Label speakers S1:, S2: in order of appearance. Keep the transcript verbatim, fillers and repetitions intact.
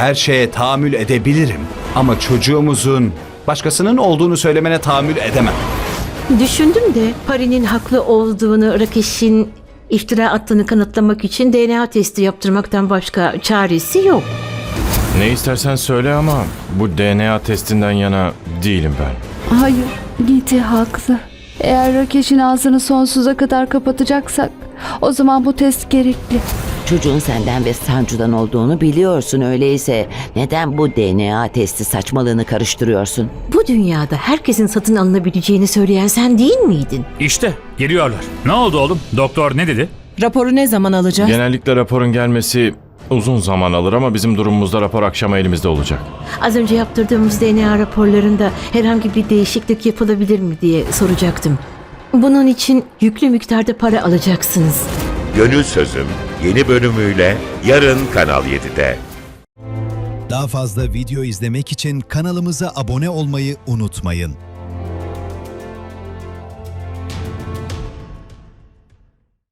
S1: Her şeye tahammül edebilirim. Ama çocuğumuzun başkasının olduğunu söylemene tahammül edemem.
S2: Düşündüm de Pari'nin haklı olduğunu, Rakesh'in iftira attığını kanıtlamak için D N A testi yaptırmaktan başka çaresi yok.
S3: Ne istersen söyle ama bu D N A testinden yana değilim ben.
S4: Hayır, Giti haklı. Eğer Rakesh'in ağzını sonsuza kadar kapatacaksak o zaman bu test gerekli.
S5: Çocuğun senden ve Sancu'dan olduğunu biliyorsun, öyleyse neden bu D N A testi saçmalığını karıştırıyorsun?
S2: Bu dünyada herkesin satın alınabileceğini söyleyen sen değil miydin?
S6: İşte geliyorlar. Ne oldu oğlum? Doktor ne dedi?
S7: Raporu ne zaman alacağız?
S3: Genellikle raporun gelmesi uzun zaman alır ama bizim durumumuzda rapor akşama elimizde olacak.
S2: Az önce yaptırdığımız D N A raporlarında herhangi bir değişiklik yapılabilir mi diye soracaktım. Bunun için yüklü miktarda para alacaksınız.
S8: Gönül Sözüm yeni bölümüyle yarın Kanal yedide.
S9: Daha fazla video izlemek için kanalımıza abone olmayı unutmayın.